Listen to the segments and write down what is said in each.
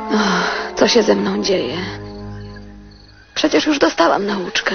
Co się ze mną dzieje? Przecież już dostałam nauczkę.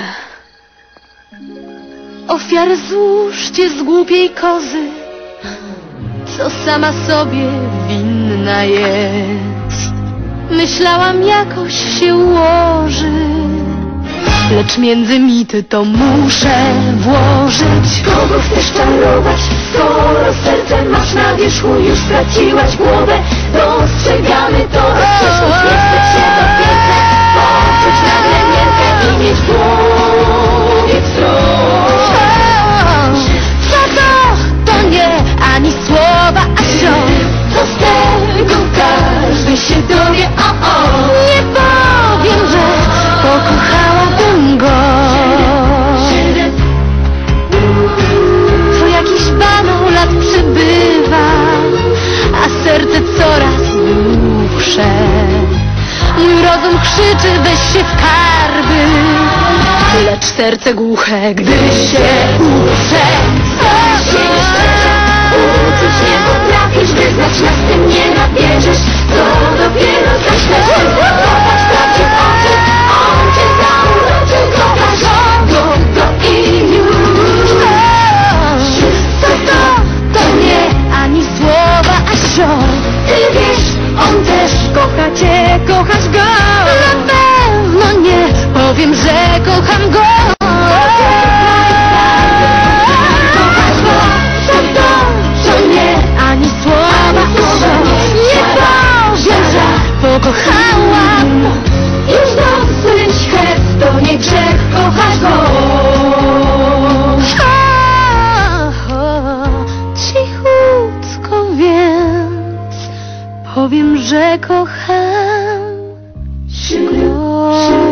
Ofiarę złóżcie z głupiej kozy, co sama sobie winna jest. Myślałam, jakoś się ułoży, lecz między mity to muszę włożyć. Kogo chcesz czarować, skoro serce masz na wierzchu? Już straciłaś głowę, dostrzegamy to. Przeszłość nie chce się do piękne, poczuć nagle miętę i mieć w głowie wzrok. To nie ani słowa, a ciąg. Co z tego, każdy się dowie, Nie powiem, że pokochałabym go. To jakiś banał lat przybywa, a serce coraz głupsze. Mój rozum krzyczy, weź się w karby, lecz serce głuche, gdy się uprze. Uczuć nie potrafisz, wyznać nas tym nie nabierzesz. To dopiero zacznę się zakochać prawdzie w oczy. On cię zauroczył, kochasz go i już. To nie ani słowa, a ciąg. Ty wiesz, on też Kocha cię, kochasz go. Na pewno nie powiem, że kocham go. kochasz go. To nie Ani słowa, nie powiem, że pokochałam. już dosyć hez, to nie grzech, kochasz go. Cichutko więc powiem, że kocham go.